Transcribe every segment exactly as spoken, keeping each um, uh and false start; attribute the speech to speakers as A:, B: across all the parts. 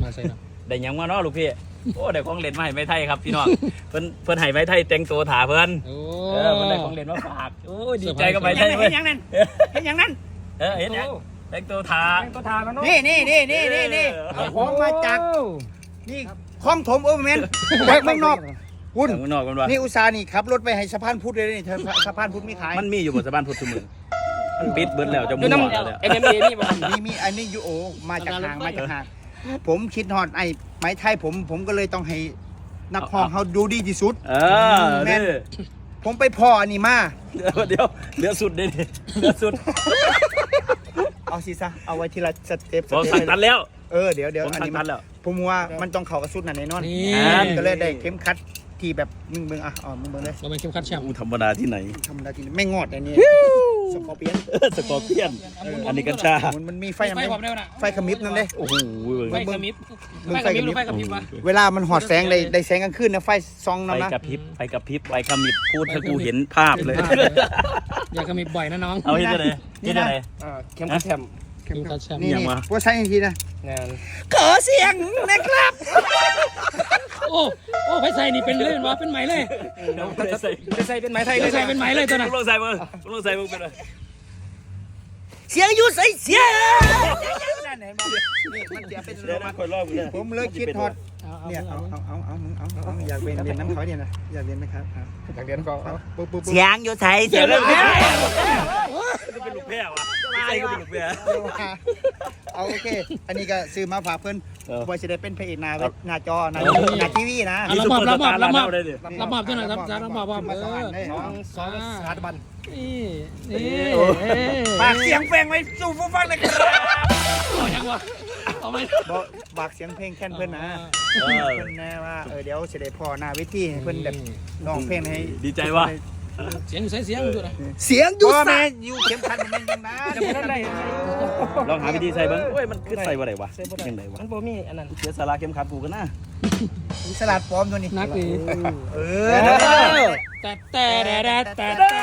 A: มาใส่เนาะ
B: ได้ยังมาเนาะลูกพี่โอ้ได้ของเล่นมาให้ไม้ไทยครับพี่น้องเพิ่นเพิ่นให้ไม้ไทยแต่งตัวถ่าเพิ่นเออเพิ่นได้ของเล่นมาฝากโอ้ดีใจกับไม้ไทยเว้ย
C: เห็นอย่างนั้นเห็นอย่างนั้น
B: เออเห็นยังแต่งตัวถ่า
C: แต่งตัวถ่าแล้วเนาะนี่นี่นี่นี่นี่นี่ของมาจากนี่คลองถมโอเวอร์แมนจากเมืองนอกคุณ
B: ข้างนอกกันว่า
C: นี่อุตสาห์นี่ขับรถไปให้สะพานพุทธเลยนี่สะพานพุทธมีขาย
B: มันมีอยู่บนสะพานพุทธมือมันปิดเบิดแล้วจะ
A: อ
B: มุ่
A: ยู่
B: ง
A: น้ำ
B: แล้ว
A: เอ็มเอ็มเอนี่บ่
C: มีมีอันนี้ยูโอมาจากห่างมาจากห่างผมคิดฮอดไอ้ไม้ไทยผมผมก็เลยต้องให้นักห้องเขาดูดีที่สุด
B: เออนี่
C: ผมไปพ่ออันนี้มา
B: เดี๋ยวเดี๋ยวเหลือสุดเด้เหลือสุด
C: เอาสิซะเอาไว้ทีละสเต็ป
B: ผมสั่งตัดแล้ว
C: เออเดี๋ยวเดี๋ยว
B: ผม
C: อัน
B: สั่ง
C: นี้
B: ตั
C: มั
B: ด
C: น
B: แล้ว
C: ผมว่ามันต้องเข้ากับสุดนั่นแน่นอน
A: นี่
C: ก็เลยได้เข็มขัดที่แบบมึงมึงอ่ะอ๋อมึงมึงเลย
A: เราเป็นเข้มขัดแชมป์
B: อู้ธรรมดาที่ไหน
C: ธรรมดาที่ไม่งอดอันนี้สกอร์เปียน
B: เออสกอร์เปียนอันนี้กัญชา
C: มันมันมีไฟ
A: ไฟ
C: น้ำ
A: ความเร็วน่ะ
C: ไฟขมิบนั่นเลย
B: โอ้โห
A: ไฟกระมิบไฟกระมิบหรือไฟกระพริบวะ
C: เวลามันหอดแสงได้ได้แสงกลางคืนนะไฟซอง
B: ไป
C: นั่นนะ
B: กระพริบไปกระพริบไปขมิบพูดให้กูเห็นภาพเลย
A: อย่ากระมิบบ่อยนะน้อง
B: เอาเห็นอะไรเห็นอะไร
A: เข้มขัดแชมป์เข้มขัดแชมป์
C: นี่
B: ยัง
C: นี่
B: วะ
C: ว่าใช้อีกทีนะ
A: งาน
C: ขอเสียงนะครับ
A: โอ้โอ้ไฟใส่นี่เป็นเลยเป็นวะเป็นไหมเลย
B: เดี๋ยวใส่
A: ไฟใส่เป็นไหมไทยเลยใส่เป็นไหมเลยตัวน่ะ
B: ลงใส่มือลงใส่มือเป็นอะไร
C: เสียงอยู่ใส่เสียงนั่นเห็นไหมนี่มันเดี๋ยวเป็น
B: เดี๋ยวนะคอยรอบกูเนี่ย
C: ผมเลยคิดฮอดเนี่ยเอาเอาเอาเอามึงเอาเอาอยากเรียนเรียนน้ำเขาเนี่ยนะอยากเรียนไหมครับอยากเรียนก็ปุ๊บปุ๊บเสียงอยู่ใส่เสียงเลย
B: จะเป็นลูกแพร่วะใส่ก็เป็นลูกแพร่
C: เอาโอเคอันนี้ก็ซื้อมาฝากเพื่อนบอยจะได้เป็นพระเอกหน้าเว็บหน้าจอหน้า
B: เออ
C: หน้าทีวีนะ
A: รับมอบรับมอบรับมอบ
B: ได้ดิ
A: รับมอบตัวหน่อยครับรับมอบว่า
C: มา
A: เอ
C: สวรร
A: อ
C: ค์ได้
A: สองสามบันนี่นี่
C: ฝากเสียงเพลงไว้สู่ผู้ฟังนะครับ
A: เอายังวะเอาไหม
C: บอกฝากเสียงเพลงแค่นเพื่อนนะ
B: เออ
C: เพื่อนแน่ว่าเออเดี๋ยวจะได้พอหน้าเวทีให้เพื่อนแบบร้องเพลงให้
B: ดีใจว่ะ
A: เสียงอยู่ใส่เสียงอยู่นะ
C: เสียงอยู่ใส่อยู่เข็มขัดมันยังนะ
B: ลองหาวิธีใส่บ้างโอ้ยมันคือใส่ว่าไรวะยังไงวะ
A: มันโบมีอันนั้น
B: เสียสาระเข้มขัดกูกันนะ
C: สลัดปลอมตัวนี้
A: นักดี
C: เออ
A: แต่แต่แต่แต่แต่แต่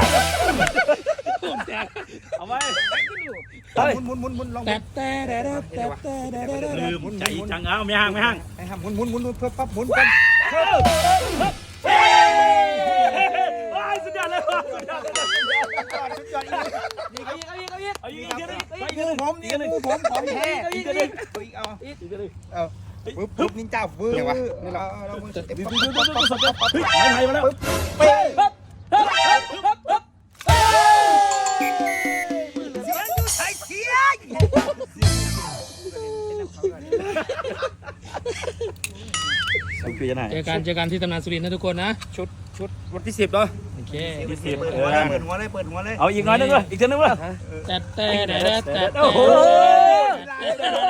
A: แต่
B: เอาไว้
C: หมุนหมุนหมุนหมุนลอง
A: แต่แต่แต่แต่แต่แต่แต่
B: ลืมใจจังเอาไม่ห่างไม่ห่าง
C: ไอ้ห่าหมุนหมุนหมุนเพื่อปั๊บหมุนกัน
B: สุดยอดเลยว่ะสุดยอดเลย
C: สุดยอดอีก
A: เอาอีกเอาอีกเอาอีก
B: เอาอีกอีกอีก
C: งูผมนี่งูผมของแท้อีกอีกอีกเอาเอาปึ๊บปึ๊บนินจาฟื้นเอาเรามือเต็มปั๊บปั๊บปั๊บปั๊บปั๊บ
B: เฮ้ยไทยมาแล้ว
C: เป๊ะเสียงอยู่ใส่เสียง
B: คือจะไหน
A: เจอกันเจอกันที่ตำนานสุรินทร์นะทุกคนนะ
C: ชุดชุดวันที่สิบเนาะ
A: โอเค
B: ที่สิบ
C: เปิดหัวเลยเปิดหัวเลยเปิดหัวเลย
B: เอาอีกน้อยนึงเลยอีกเท่านึงเลย
A: แต่แต่แต่แต่แต่
B: โอ้โห